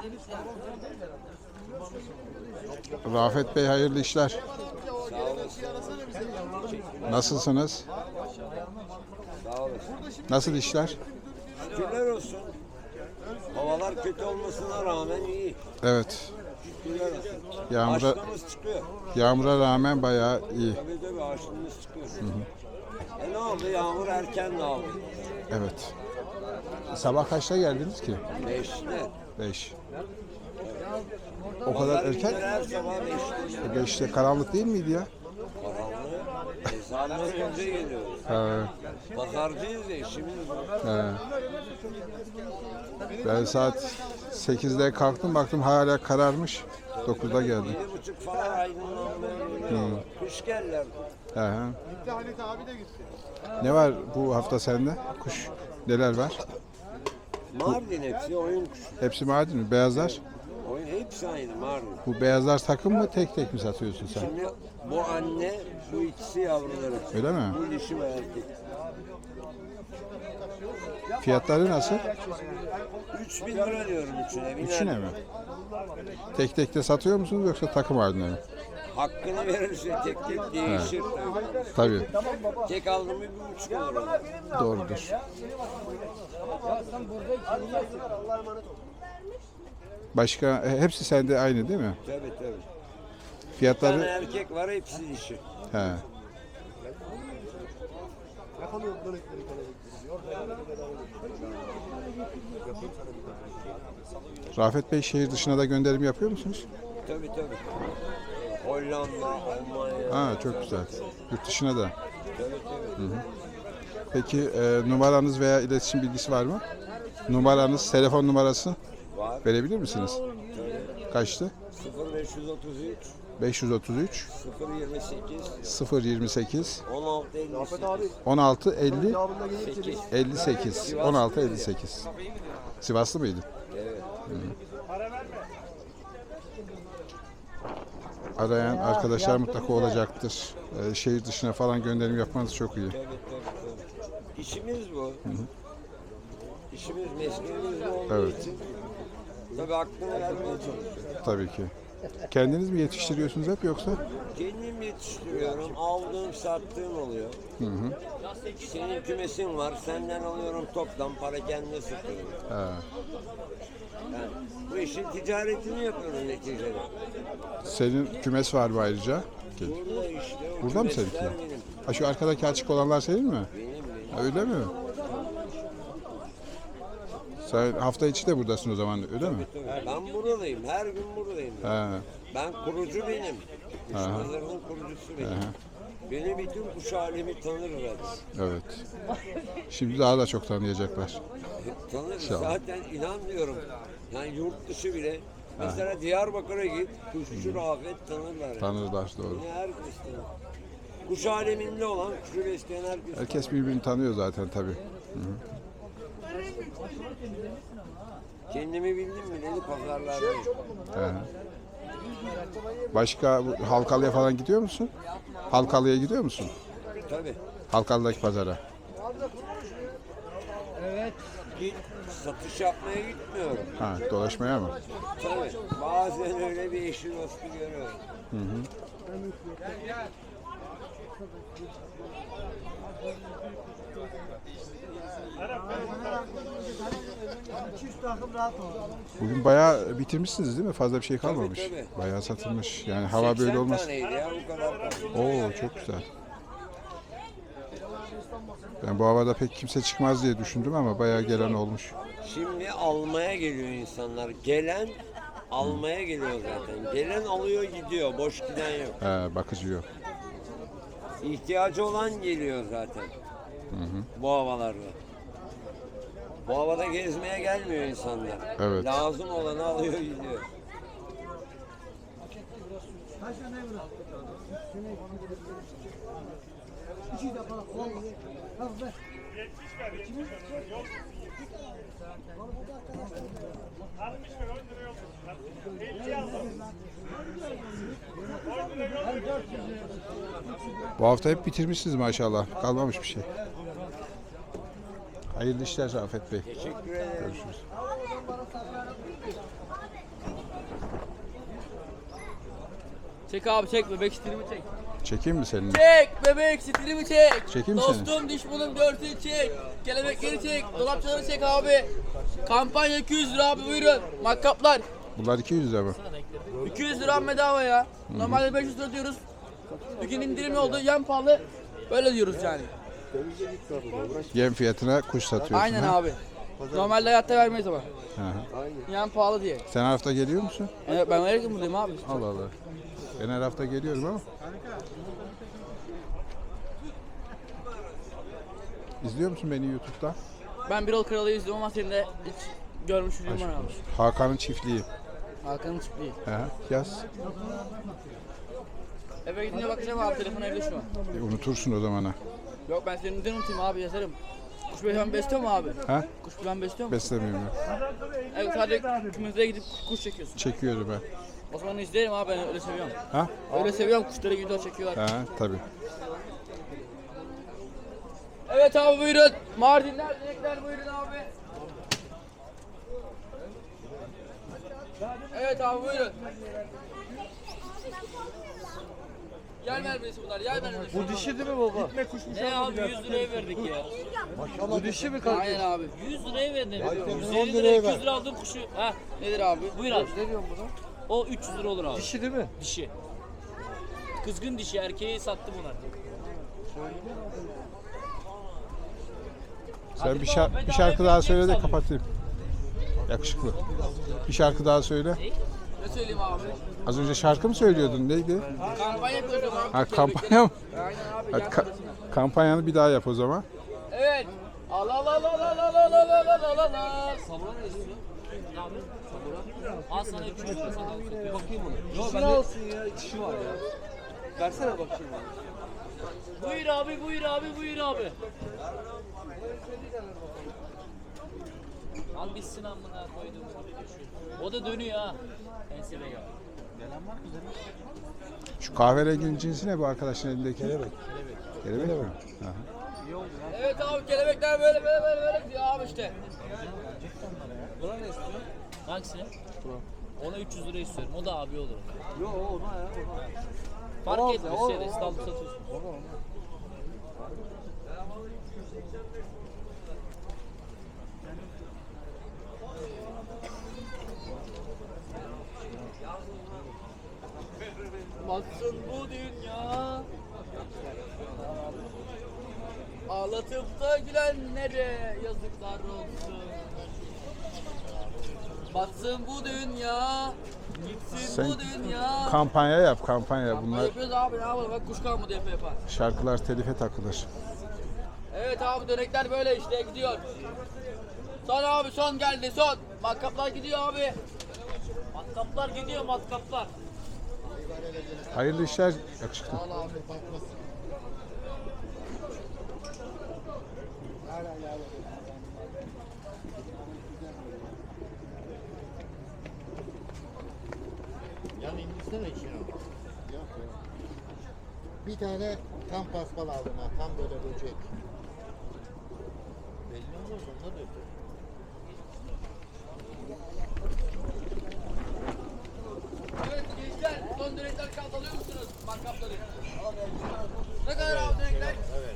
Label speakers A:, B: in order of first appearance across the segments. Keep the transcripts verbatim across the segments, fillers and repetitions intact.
A: Rafet Bey hayırlı işler. Nasılsınız?
B: Sağ olasın.
A: Nasıl işler?
B: Şükürler olsun. Havalar kötü olmasına rağmen iyi.
A: Evet.
B: Şükürler olsun.
A: Yağmura,
B: Açlığımız çıkıyor.
A: yağmura rağmen bayağı iyi.
B: Tabii tabii açlığımız çıkıyor. Hı hı. E ne oldu? Yağmur erken dağıldı.
A: Evet. Sabah kaçta geldiniz ki?
B: Beşte.
A: Beş. O kadar erken?
B: Her sabah beşte.
A: E beşte karanlık değil miydi ya?
B: Karanlığı. Ezandan önce geliyoruz.
A: He,
B: Pazarcıyız ya, işimiz bu.
A: he. Ben saat sekizde kalktım, baktım hala kararmış. dokuzda geldim.
B: Yedi buçuk falan aydınlanmaya geliyor. Kuş geldiler.
A: He, he. Ne var bu hafta sende? Kuş neler var?
B: Mardin hepsi oyun kuşu.
A: Hepsi Mardin mi? Beyazlar?
B: Oyun hepsi aynı Mardin.
A: Bu beyazlar takım mı, tek tek mi satıyorsun sen?
B: Şimdi bu anne, bu ikisi yavruları.
A: Öyle mi?
B: Bu dişi ve erkek.
A: Fiyatları nasıl?
B: Üç bin lira diyorum üçüne. biner
A: Üçüne
B: lira.
A: mi? Tek tek de satıyor musunuz yoksa takım halinde mi?
B: Hakkını verirse tek tek değişir tabii.
A: Tabii,
B: Tek aldım mı bir buçuk olur.
A: doğrudur. Başka, e, hepsi sende aynı değil mi?
B: Tabii tabii. Bir tane
A: Fiyatları?
B: erkek var, hepsi dişi.
A: He. Rafet Bey, şehir dışına da gönderim yapıyor musunuz?
B: Tabii tabii. Hollanda, Almanya.
A: Ha, çok güzel. Yurt dışına da.
B: Tabii tabii.
A: Peki e, numaranız veya iletişim bilgisi var mı? Numaranız, telefon numarası
B: Var.
A: verebilir misiniz?
B: Tabii.
A: Kaçtı?
B: sıfır beş otuz üç
A: beş yüz otuz üç
B: sıfır yirmi sekiz
A: sıfır yirmi sekiz
B: on altı elli sekiz.
A: on altı elli
B: sekiz.
A: elli sekiz on altı elli sekiz. Sivaslı mıydı?
B: Evet.
A: Arayan arkadaşlar mutlaka olacaktır. Ee, şehir dışına falan gönderim yapmanız çok iyi.
B: Tabii tabii tabii. İşimiz bu. İşimiz, mesleğimiz bu olduğu
A: Evet.
B: için tabii hakkını vermeye çalışıyoruz.
A: Tabii ki. Kendiniz mi yetiştiriyorsunuz hep yoksa?
B: Kendim yetiştiriyorum. Aldığım, sattığım oluyor.
A: Hı hı.
B: Senin kümesin var. Senden alıyorum toptan. Para kendine satıyorum.
A: Ha.
B: Yani bu işin ticaretini yapıyorum neticede.
A: Senin kümes var mı ayrıca?
B: Burada işte. O
A: Burada mı
B: kümesler
A: seninki?
B: benim.
A: Ha, şu arkadaki açık olanlar senin mi?
B: Benim benim.
A: Ha, öyle mi? Sen hafta içi de buradasın o zaman, öyle mi?
B: Tabii. Ben buradayım. Her gün buradayım.
A: Ha.
B: Ben kurucu benim. Kuş pazarının kurucusu benim. Beni bütün kuş alemi tanırlar.
A: Evet. Şimdi daha da çok tanıyacaklar.
B: Tanır.
A: İnşallah.
B: Zaten inanmıyorum. Yani yurt dışı bile. Mesela Diyarbakır'a git. Kuşçu Rafet tanırlar. Yani.
A: Tanırlar, doğru.
B: Beni herkes tanır. Kuş aleminde olan, kuşu besleyen herkes.
A: Herkes birbirini tanıyor zaten tabii.
B: Kendimi bildim mi dedi pazarlardayım.
A: He. Başka bu Halkalı'ya falan gidiyor musun? Halkalı'ya gidiyor musun?
B: Tabii.
A: Halkalı'daki pazara.
B: Git, satış yapmaya gitmiyorum.
A: Ha, dolaşmaya mı?
B: Tabii. Bazen öyle bir eşi dostu görüyorum.
A: Bugün bayağı bitirmişsiniz değil mi? Fazla bir şey kalmamış.
B: Tabii, tabii.
A: Bayağı satılmış. Yani hava böyle
B: seksen
A: olmaz.
B: taneydi ya bu kadar.
A: Oo, çok güzel. Ben bu havada pek kimse çıkmaz diye düşündüm ama bayağı gelen olmuş.
B: Şimdi almaya geliyor insanlar. Gelen almaya geliyor zaten. Gelen alıyor gidiyor. Boş giden yok.
A: He, bakıcı yok.
B: İhtiyacı olan geliyor zaten. Bu havalarda. Bu havada gezmeye gelmiyor insanlar.
A: Evet.
B: Lazım olanı alıyor gidiyor.
A: Bu hafta hep bitirmişsiniz maşallah. Kalmamış bir şey. Hayırlı işler Rafet Bey.
B: Teşekkür ederim.
A: Görüşürüz.
C: Çek abi çek bebek stilimi çek.
A: Çekeyim mi seninle?
C: Çek bebek stilimi çek.
A: Çekeyim mi seni?
C: Dostum diş bunun görsün çek. Kelebekleri çek. Dolapçaları çek abi. Kampanya iki yüz lira abi buyurun. Makkaplar.
A: Bunlar iki yüz lira mı?
C: iki yüz lira bedava ya. Normalde beş yüz lira diyoruz. Bugün indirimli oldu. Yan pahalı. Böyle diyoruz yani.
A: Yem fiyatına kuş satıyorsun.
C: Aynen
A: ha?
C: abi. Normalde hayatta vermeyiz ama.
A: Hı hı.
C: Yan pahalı diye.
A: Sen her hafta geliyor musun?
C: Evet, ben her gün buradayım abi.
A: Allah Allah. Ben her hafta geliyorum ama. İzliyor musun beni YouTube'da?
C: Ben Birol Kralı izliyorum ama seni de hiç görmüşlüğüm var abi.
A: Hakan'ın çiftliği.
C: Hakan'ın çiftliği.
A: Hı hı. Yaz.
C: Eve gidince bakacağım abi, telefon evde şu an.
A: E, unutursun o zaman ha.
C: Yok ben senin neden unutayım abi, yazarım. Kuş ben besliyor mu abi?
A: Ha?
C: Kuş ben besliyor mu?
A: Beslemiyorum ben.
C: Evet, sadece kümese gidip kuş çekiyorsun.
A: Çekiyorum ben.
C: O zaman izleyelim abi, ben öyle seviyorum.
A: Ha?
C: Öyle seviyorum, kuşları video çekiyorlar.
A: Ha, tabii.
C: Evet abi buyurun. Mardinler, dilekler buyurun abi. Evet abi buyurun. Yer vermesi bunlar, yer vermesi.
D: Bu dişi değil mi baba?
E: Ne abi yüz liraya verdik ya.
D: Bu dişi mi kardeş?
C: Aynen abi.
E: yüz liraya verdim. yüz
D: on
E: elli
D: liraya
E: liraya
D: ver.
E: iki yüz lira aldığım kuşu. Ha
C: Nedir abi?
E: buyur abi.
D: Ne diyorsun buna?
E: O üç yüz lira olur abi.
D: Dişi değil mi?
E: Dişi. Kızgın dişi, erkeği sattı buna.
A: Sen bir, şar- bir şarkı daha söyle de kapatayım. Yakışıklı. Bir şarkı daha söyle.
C: Ne söyleyeyim abi?
A: Az önce şarkı mı söylüyordun? Neydi?
C: Kampanya yapıyoruz abi.
A: Ha, kampanya mı?
C: Aynen abi.
A: Hadi
C: yer
A: ka-
C: vermesine.
A: kampanyanı bir daha yap o zaman.
C: Evet. Al al al al al al al al al al al al.
E: Sabura ne istiyor? Ne abi? Sabura. Al sana üç yüz lira sana. Bir bakayım ona.
D: Dişi alsın ya, dişi var ya. Versene bakayım.
E: Buyur abi, buyur abi, buyur abi. Al bitsin amına koydum. O da dönüyor ha. Ensele gel.
A: Şu kahverenginin cinsi ne bu arkadaşın elindeki? Kelebek. Kelebek mi? Aha.
C: Evet abi, kelebekler böyle böyle böyle böyle diyor abi işte.
E: Buna ne istiyor? Hangisi? Ona üç yüz lira istiyorum. O da abi olur.
D: Yo ona ya ona.
E: Fark
D: O-
E: etmez.
D: o-
E: Şeyde
D: o-
E: İstanbul satıyorsun.
D: Ona ona.
C: Batsın bu dünya. Ağlatıp da gülenlere yazıklar olsun. Batsın bu dünya. Gitsin
A: Sen-
C: bu dünya.
A: Kampanya yap kampanya.
C: Bunlar...
A: Bunlar
C: Yapıyoruz abi, ne yapalım, bak kuş kalmadı yapı yapar.
A: şarkılar telife takılır.
C: Evet abi, dönekler böyle işte gidiyor. Son abi, son geldi son. Makkaplar gidiyor abi.
E: Matkaplar gidiyor, matkaplar.
A: Hayırlı işler yakışıklı.
F: Yani indirsene işini. Yok ya. Bir tane tam paspal aldım ha, tam böyle böcek. Belli olmaz, onlar da öpüyor.
C: Evet gençler, son dönekler kaldı, alıyor musunuz makkapları? Ne kadar abi dönekler?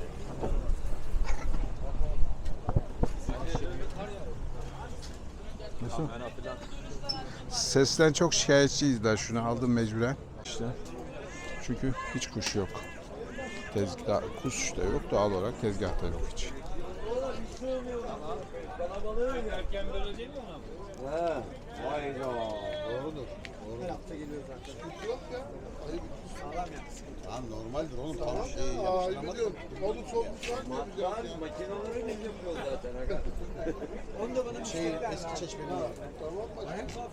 A: Nasıl? Sesten çok şikayetçiyiz daha, şunu aldım mecburen. İşte. Çünkü hiç kuş yok. Tezgah, kuş da yok, doğal olarak tezgahta yok hiç.
B: He. Hayda.
F: Doğrudur. Doğru. Hafta geliyor zaten. Yok ya. Lan normaldir oğlum. Tamam şey yapıştıramadık. Balık soğumuş var mı yapacağız ya?
B: Makineleri biz yapıyoruz zaten. Aga.
F: Şey eski çeşmeli var. Tamam mı?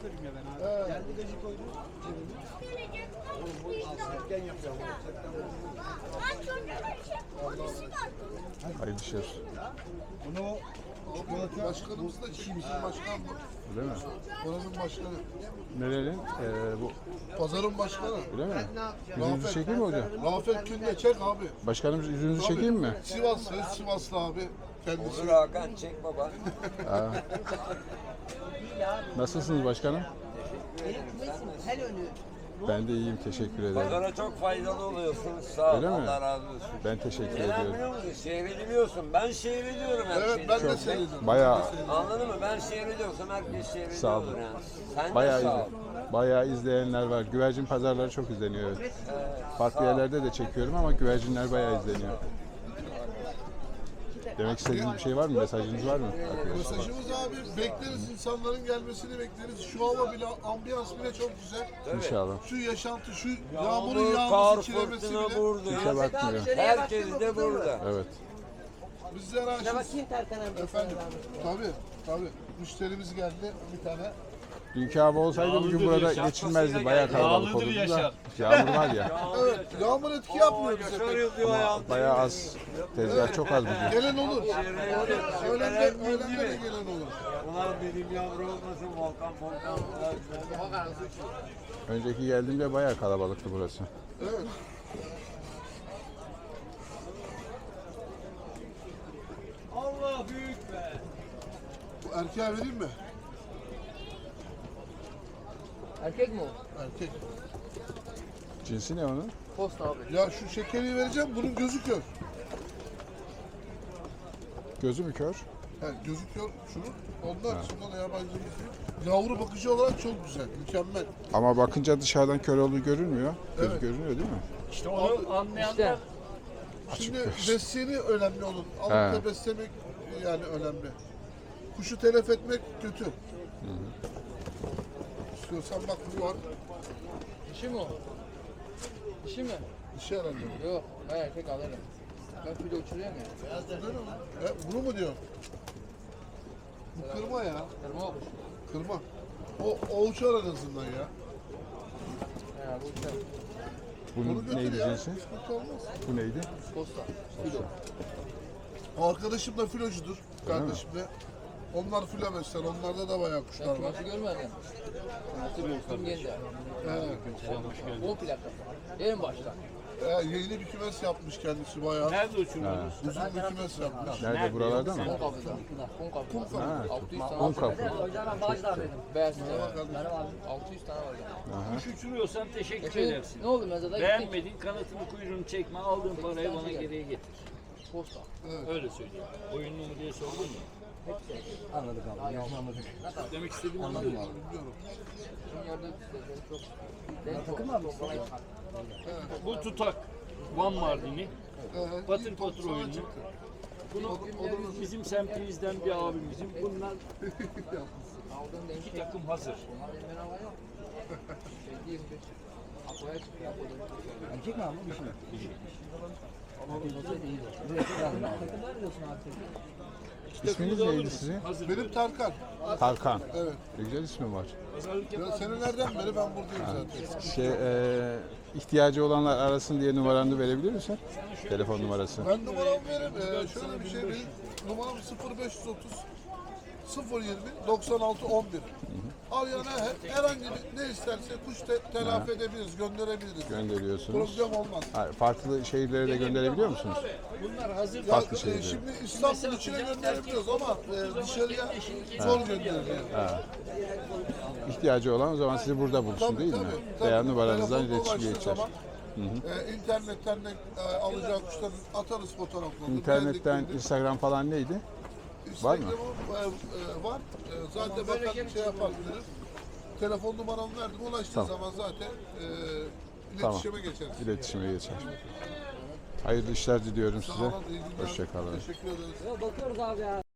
A: Hayırlı işler.
F: Bunu başkanımız da Çiğ bizim başkan bu.
A: Öyle mi?
F: Oranın başkanı.
A: Nerenin? Ee, bu
F: Pazarın başkanı.
A: öyle mi? Yüzünüzü çekeyim mi hocam?
F: Rafet Günde çek abi.
A: Başkanım yüzünüzü çekeyim mi?
F: Sivaslı, Sivaslı abi. Kendisi.
B: Olur Hakan çek baba.
A: Nasılsınız başkanım? Ben de iyiyim, teşekkür ederim.
B: Pazara çok faydalı oluyorsun. Sağ ol.
A: Öyle mi?
B: Allah razı olsun.
A: Ben teşekkür
B: Neden
A: ediyorum.
B: biliyor musun? Seyrediliyorsun. Ben seyrediyorum her şeyi.
F: Evet ben de seyrediyorum.
A: Bayağı
B: Anladın mı? Ben seyrediyorsam herkes seyrediyordur
A: Sağ ol.
B: yani. Sen
A: bayağı
B: de sağ ol.
A: izle, bayağı izleyenler var. Güvercin pazarları çok izleniyor. Evet. Farklı yerlerde de çekiyorum ama güvercinler bayağı izleniyor. Demek istediğiniz bir şey var mı? Mesajınız var mı?
G: Mesajımız abi bekleriz, insanların gelmesini bekleriz. Şu hava bile, ambiyans bile çok güzel.
A: İnşallah.
G: Şu yaşantı, şu
B: Yağmur,
G: yağmurun
B: kar,
G: yağması, çilemesi
B: fırtına
G: bile.
B: burada.
A: Kimse bakmıyor.
B: Herkes de burada.
A: Evet.
G: Bizlere aşırı. Efendim, tabii, tabii. Müşterimiz geldi bir tane.
A: Dünkü hava olsaydı bugün burada geçilmezdi. Bayağı kalabalık olurdu da. Yağmur var ya.
G: Evet, yağmur etki yapmıyor bize pek.
B: Yaşar yazıyor ayağım.
A: Bayağı az. Tezgah çok az bugün.
G: Gelen olur. Öğlende, öğlende de gelen olur.
B: Ulan benim yavru olmasın volkan volkan.
A: Önceki geldiğimde bayağı kalabalıktı burası.
G: Evet.
B: Allah büyük be.
G: Bu erkeğe vereyim mi?
C: Erkek mi o?
G: Erkek.
A: Cinsi ne onun?
C: Posta abi.
G: Ya şu şekeri vereceğim, bunun gözü kör.
A: Gözü mü kör?
G: He, gözü kör şunun. Ondan sonra da yabancımız yok. Yavru bakıcı olarak çok güzel, mükemmel.
A: Ama bakınca dışarıdan kör olduğu görünmüyor. Gözü
G: Evet.
A: görünüyor değil mi?
E: İşte onu anlayanlar
G: Şimdi besleyeni önemli olur. Alıp
A: He.
G: da beslemek yani önemli. Kuşu telef etmek kötü. İstiyorsan bak bu var.
C: Dişi mi o? Dişi mi?
G: Dişi herhalde.
C: Yok. Ben erkek alırım. Ben filo uçuruyorum ya.
G: He, bunu mu diyor? Bu kırma ya.
C: Kırma o kuş.
G: Kırma. O, o uçar en azından ya.
C: He bu uçar.
G: Bunu
A: Bunun
G: götür
A: neydi
G: ya.
A: cinsi?
G: Sıkıntı olmaz.
A: Bu neydi?
C: Posta. Filo.
G: O arkadaşım da filocudur. Kardeşim de. Onlar filo besler. Onlarda da bayağı kuşlar
C: Ben
G: var.
C: kümesi görmedim. Nasıl dostum geldi.
G: He.
C: O plakası. En başta.
G: He, yeni bir kümes yapmış kendisi bayağı.
E: nerede uçuruyoruz?
G: Uzun bir kümes yapmış.
A: Nerede? Buralarda mı?
C: Kum kapıda. Kum kapıda.
A: Ha,
C: altı yüz tane
A: un
C: var.
A: kapı.
C: Beyaz tane var. altı yüz tane var.
E: Kuş uçuruyorsan teşekkür
C: Geçen
E: edersin.
C: ne oldu mezada gittik.
E: Beğenmedin kanatını kuyruğunu çekme aldığın parayı bana geriye getir.
C: Posta.
E: Öyle söyleyeyim. Oyunlu mu diye sordun mu?
F: Anladık abi. Anladık.
E: Demek istediğimi anladın mı?
C: Şimdi gördük işte çok.
F: Ben takım abi.
E: Bu tutak Van Mardini,
G: He,
E: patır patır oyunu. Bunu bizim semtimizden bir abimizin. Bunlar
C: Aldığım denk
E: iki takım hazır.
C: Bunlar benim bedava yok. Şey diyeyim bir. Apoya çıkıyor.
F: Erkek mi abi? Dişi mi? Erkek olsaydı iyiydi. Bu erkek lazım abi.
A: İsminiz neydi sizin?
E: Hazır.
G: benim Tarkan.
A: Tarkan.
G: Evet.
A: Ne güzel ismi var.
E: Pazarlık
G: Ya
E: yapar.
G: senelerden beri ben buradayım zaten.
A: Şey, e, ihtiyacı olanlar arasın diye numaranı verebilir misin? Telefon numarası.
G: Ben numaramı veririm. Ee, şöyle bir şey benim numaram sıfır beş otuz sıfır yirmi doksan altı on bir. Arayana her, herhangi bir ne isterse kuş te, telafi edebiliriz, gönderebiliriz.
A: Gönderiyorsunuz.
G: Problem olmaz.
A: Ha, farklı şehirlere de gönderebiliyor musunuz?
E: Bunlar hazır.
G: Ya,
A: Farklı
G: e,
A: şeyleri.
G: şimdi İstanbul içine gönderebiliyoruz ama e, dışarıya zor gönderiliyor.
A: İhtiyacı olan o zaman sizi burada bulsun
G: Tabii,
A: değil mi?
G: tabii, tabii.
A: Veya numaranızdan
G: Telefonla
A: iletişime
G: ulaştığı
A: geçer.
G: zaman, e, internetten de e, alacağı kuşları atarız fotoğraflarını.
A: İnternetten
G: beğendiklerini.
A: Instagram falan neydi? Var mı?
G: Instagram'ım e, e, var. E, zaten bakan şey yapar bilir. Telefon numaramı verdim. Ulaştığı
A: Tamam.
G: zaman zaten e,
A: Tamam.
G: iletişime geçeriz.
A: İletişime geçer. Hayırlı işler diliyorum
G: Sağ
A: size.
G: olun, iyi günler.
A: Hoşçakalın.
G: Teşekkür ederiz.
F: Bakıyoruz abi ya.